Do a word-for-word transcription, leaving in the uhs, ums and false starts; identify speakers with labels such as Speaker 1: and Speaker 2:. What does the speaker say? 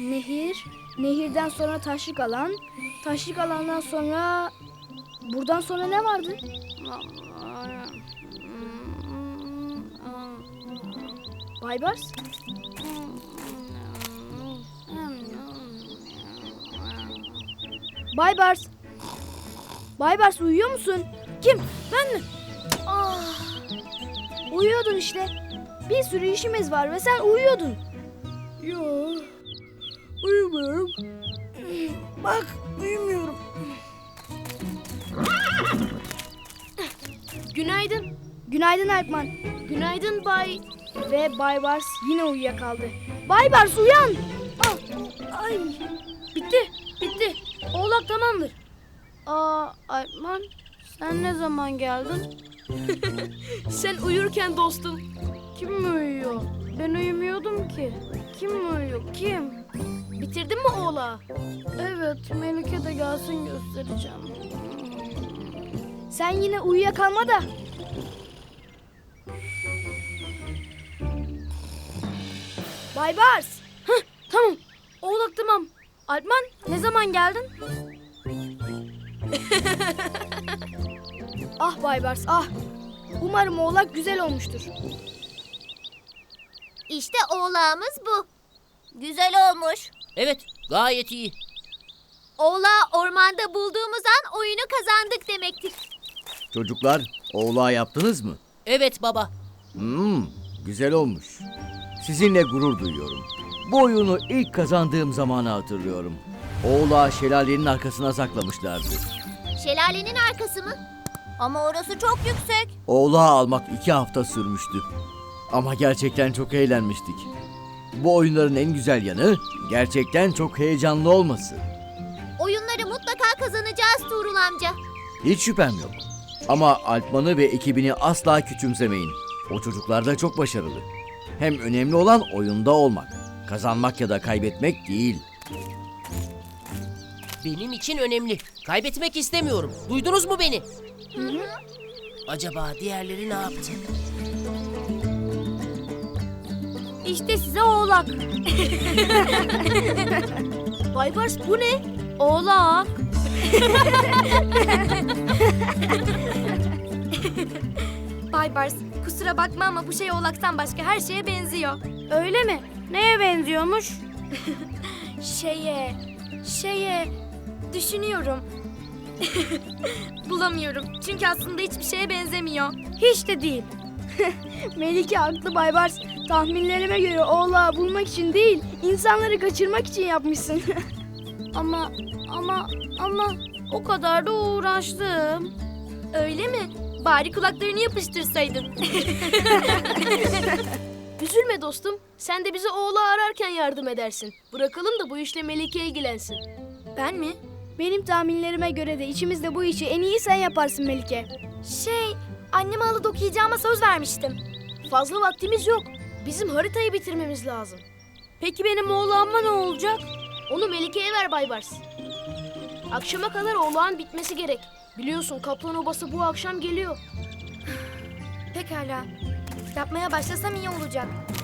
Speaker 1: Nehir, nehirden sonra taşlık alan, taşlık alandan sonra... Buradan sonra ne vardı? Baybars? Baybars? Baybars uyuyor musun? Kim? Ben mi? Ah, uyuyordun işte. Bir sürü işimiz var ve sen uyuyordun. Yo, uyumuyorum. Bak, uyumuyorum. Günaydın. Günaydın Alpman. Günaydın Bay... Ve Baybars yine uyuyakaldı. Baybars uyan! Ah, ay. Bitti, bitti. Oğlak tamamdır. Aa, Alpman, sen ne zaman geldin? Sen uyurken dostum. Kim mi uyuyor? Ben uyumuyordum ki. Kim mi uyuyor? Kim? Bitirdin mi oğlağı? Evet, Melike de gelsin göstereceğim. Sen yine uyuyakalma da. Baybars. Hah, tamam. Oğlak tamam. Alpman, ne zaman geldin? Ah Baybars, ah. Umarım oğlak güzel olmuştur.
Speaker 2: İşte oğlağımız bu. Güzel olmuş.
Speaker 3: Evet, gayet iyi.
Speaker 2: Oğlağı ormanda bulduğumuz an oyunu kazandık demektir.
Speaker 4: Çocuklar, oğlağı yaptınız mı?
Speaker 3: Evet baba.
Speaker 4: Hmm, güzel olmuş. Sizinle gurur duyuyorum. Bu oyunu ilk kazandığım zamanı hatırlıyorum. Oğlağı şelalenin arkasına saklamışlardı.
Speaker 2: Şelalenin arkası mı? Ama orası çok yüksek.
Speaker 4: Oğlağı almak iki hafta sürmüştü. Ama gerçekten çok eğlenmiştik. Bu oyunların en güzel yanı gerçekten çok heyecanlı olması.
Speaker 2: Oyunları mutlaka kazanacağız Tuğrul amca.
Speaker 4: Hiç şüphem yok. Ama Alpman'ı ve ekibini asla küçümsemeyin. O çocuklar da çok başarılı. Hem önemli olan oyunda olmak. Kazanmak ya da kaybetmek değil.
Speaker 3: Benim için önemli. Kaybetmek istemiyorum. Duydunuz mu beni?
Speaker 2: Hı hı.
Speaker 3: Acaba diğerleri ne yaptı?
Speaker 1: İşte size oğlak. Baybars bu ne? Oğlak.
Speaker 5: Baybars, kusura bakma ama bu şey oğlaktan başka her şeye benziyor.
Speaker 1: Öyle mi? Neye benziyormuş?
Speaker 5: Şeye, şeye, düşünüyorum. Bulamıyorum. Çünkü aslında hiçbir şeye benzemiyor.
Speaker 1: Hiç de değil. Melike haklı Baybars. Tahminlerime göre oğlağı bulmak için değil, insanları kaçırmak için yapmışsın. ama, ama, ama o kadar da uğraştım.
Speaker 5: Öyle mi? Bari kulaklarını yapıştırsaydın.
Speaker 1: Üzülme dostum. Sen de bize oğlağı ararken yardım edersin. Bırakalım da bu işle Melike ilgilensin.
Speaker 5: Ben mi?
Speaker 1: Benim tahminlerime göre de içimizde bu işi en iyi sen yaparsın Melike.
Speaker 5: Şey, anneme halı dokuyacağıma söz vermiştim.
Speaker 1: Fazla vaktimiz yok. Bizim haritayı bitirmemiz lazım. Peki benim oğlağıma ne olacak? Onu Melike'ye ver Baybars. Akşama kadar oğlağın bitmesi gerek. Biliyorsun kaplan obası bu akşam geliyor.
Speaker 5: Pekala. Yapmaya başlasam iyi olacak.